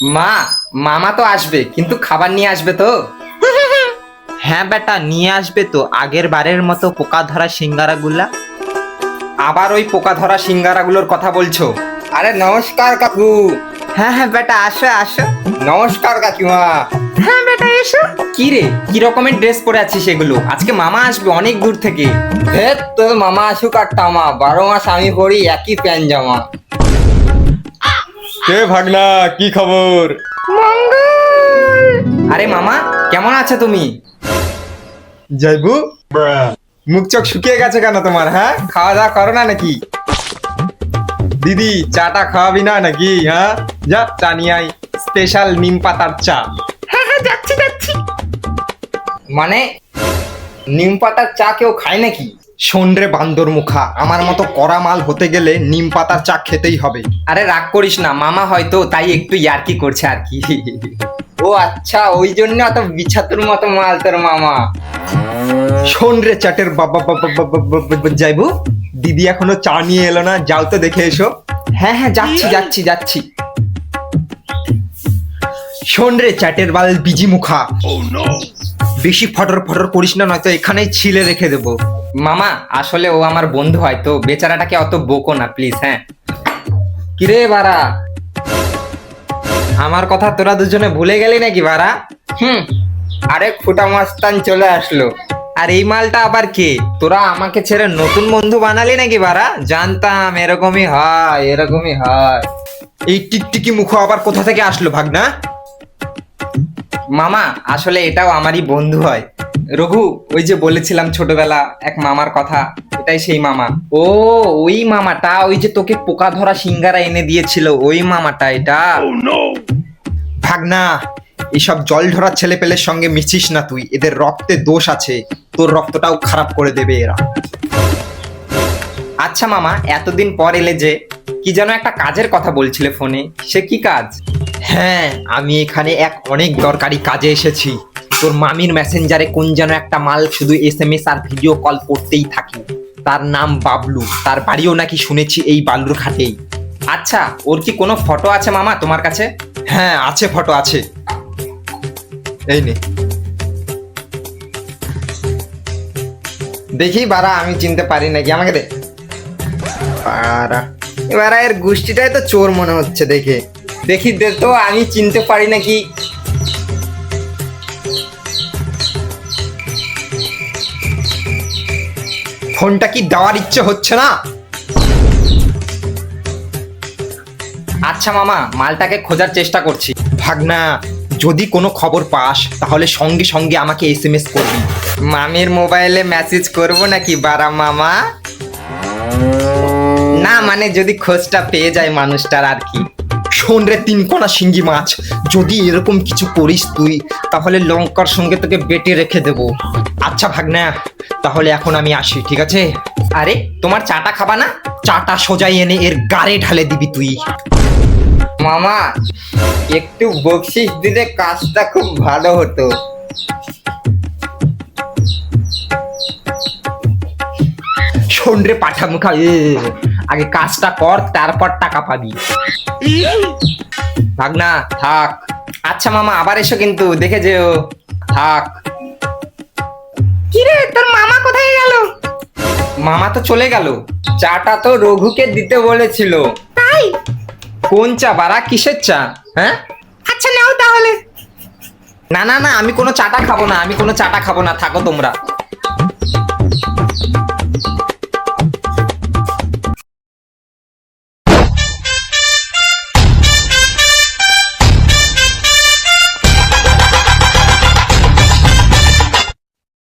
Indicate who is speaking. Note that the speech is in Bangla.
Speaker 1: মা, মামা তো আসবে কিন্তু খাবার নিয়ে আসবে তো?
Speaker 2: হ্যাঁ বেটা, নিয়ে আসবে তো আগের বারের মতো পোকা ধরা সিঙ্গারা গুলা।
Speaker 1: আবার ওই পোকা ধরা সিঙ্গারাগুলোর কথা বলছো? আরে নমস্কার কাকু।
Speaker 2: হ্যাঁ হ্যাঁ বেটা, আসো আসো।
Speaker 1: নমস্কার কাকিমা।
Speaker 2: হ্যাঁ বেটা, এসো।
Speaker 1: কি রে, কি রকমের ড্রেস পরে আছিস এগুলো? আজকে মামা আসবে অনেক দূর থেকে। হেৎ, তোর মামা আসুক আর টামা, 12 মাস আমি পরি একই প্যান্ট জামা।
Speaker 3: কে ভাগনা, কি খবর?
Speaker 1: আরে মামা, কেমন আছো তুমি?
Speaker 3: যাইবু, মুখ চোখ শুকিয়ে গেছে কেন তোমার? হ্যাঁ, খাওয়া দাওয়া করো না নাকি? দিদি, চাটা খাওয়াবি না নাকি? হ্যাঁ, যা চা নিয়ে আয়, স্পেশাল নিম পাতার চা।
Speaker 2: হ্যাঁ হ্যাঁ, যাচ্ছি যাচ্ছি।
Speaker 1: মানে নিম পাতার চা কেউ খায় নাকি?
Speaker 3: শোন রে বান্দর মুখা, আমার মতো কড়া মাল হতে গেলে নিম পাতার চা খেতেই হবে।
Speaker 1: আরে রাগ করিস না, মামা হয়তো তাই একটু ইয়ার্কি করছে আর কি। ও আচ্ছা, ওই জন্য অত বিছাতুর মতো মাল তোর মামা।
Speaker 3: শোন রে চাটের বাবা যাইবু, দিদি এখনো চা নিয়ে এলো না, যাও তো দেখে এসো।
Speaker 1: হ্যাঁ হ্যাঁ, যাচ্ছি যাচ্ছি যাচ্ছি।
Speaker 3: শোন রে চ্যাটের বাল বিজি মুখা, বেশি ফটর ফটর করিস না, নয়তো এখানেই ছিলে রেখে দেবো।
Speaker 1: মামা, আসলে ও আমার বন্ধু হয় তো বেচারাটাকে অত বকো না প্লিজ। হ্যাঁ,
Speaker 3: কিরে বাড়া, আমার কথা তোরা দুজনে ভুলে গেলি নাকি বাড়া?
Speaker 1: আরে ফুটা মাস্তান চলে আসলো।
Speaker 3: আর এই মালটা আবার কে? তোরা আমাকে ছেড়ে নতুন বন্ধু বানালি নাকি বাড়া? জানতাম এরকমই হয়, এরকমই হয়। এই টিকটিকি মুখ আবার কোথা থেকে আসলো ভাগনা?
Speaker 1: মামা, আসলে এটাও আমারই বন্ধু হয়। রঘু, ওই যে বলেছিলাম ছোটবেলা এক মামার কথা, এটাই সেই মামা। ও, ওই মামাটা, ওই যে তোকে পোকা ধরা সিঙ্গারা এনে দিয়েছিল, ওই মামাটা এটা।
Speaker 3: ভাগনা, এইসব জল ধরা ছেলে পেলের সঙ্গে মিশিস না তুই, এদের রক্তে দোষ আছে, তোর রক্তটাও খারাপ করে দেবে এরা।
Speaker 1: আচ্ছা মামা, এতদিন পর এলে যে, কি যেন একটা কাজের কথা বলছিলে ফোনে, সে কি কাজ?
Speaker 3: হ্যাঁ, আমি এখানে এক অনেক দরকারি কাজে এসেছি। তোর মামির মেসেঞ্জারে কোন যেন একটা মাল শুধু SMS আর ভিডিও কল করতেই থাকে, তার নাম বাবলু, তার বাড়িও নাকি শুনেছি এই বালুর ঘাটেই।
Speaker 1: আচ্ছা, ওর কি কোনো ফটো আছে মামা তোমার কাছে?
Speaker 3: হ্যাঁ আছে, ফটো আছে, এই নে।
Speaker 1: দেখি বারা, আমি চিনতে পারি নাকি, আমাকে দে। বারা, এবার এর গোষ্ঠীটাই তো চোর মনে হচ্ছে দেখে। দেখি দে তো, আমি চিনতে পারি নাকি।
Speaker 3: ফোনটা কি দেওয়ার ইচ্ছে হচ্ছে না?
Speaker 1: আচ্ছা মামা, মালটাকে খোঁজার চেষ্টা করছি।
Speaker 3: ভাগনা, যদি কোনো খবর পাস তাহলে সঙ্গে সঙ্গে আমাকে SMS করবি।
Speaker 1: মামির মোবাইলে মেসেজ করব নাকি বারা মামা? না মানে যদি খোঁজটা পেয়ে যায় মানুষটার আর কি।
Speaker 3: শোন রে তিনকোনা শিঙ্গি মাছ, যদি এরকম কিছু করিস তুই, তাহলে লঙ্কার সঙ্গে তোকে বেটে রেখে দেব। আচ্ছা ভাগনা, তাহলে এখন আমি আসি, ঠিক আছে?
Speaker 1: আরে, তোমার চাটা খাবা না?
Speaker 3: চাটা সোজাই এনে এর গাড়ে ঢালে দিবি তুই।
Speaker 1: মামা, একটু বকশিস দিলে কাজটা খুব ভালো হতো।
Speaker 3: শোন রে পাঠা মুখা, আগে কাজটা কর, তারপর টাকা পাবি।
Speaker 1: ভাগনা থাক। আচ্ছা মামা, আবার এসো কিন্তু, দেখে যেও। থাক।
Speaker 2: কিরে, তোর মামা কোথায় গেল?
Speaker 1: মামা তো চলে গেল, চাটা তো রঘুকে দিতে বলেছিল।
Speaker 2: তাই?
Speaker 1: কোন চা বাড়া, কিসের চা? হ্যাঁ,
Speaker 2: আচ্ছা নাও তাহলে।
Speaker 1: না না না, আমি কোনো চাটা খাবো না, আমি কোনো চাটা খাবো না, থাকো তোমরা।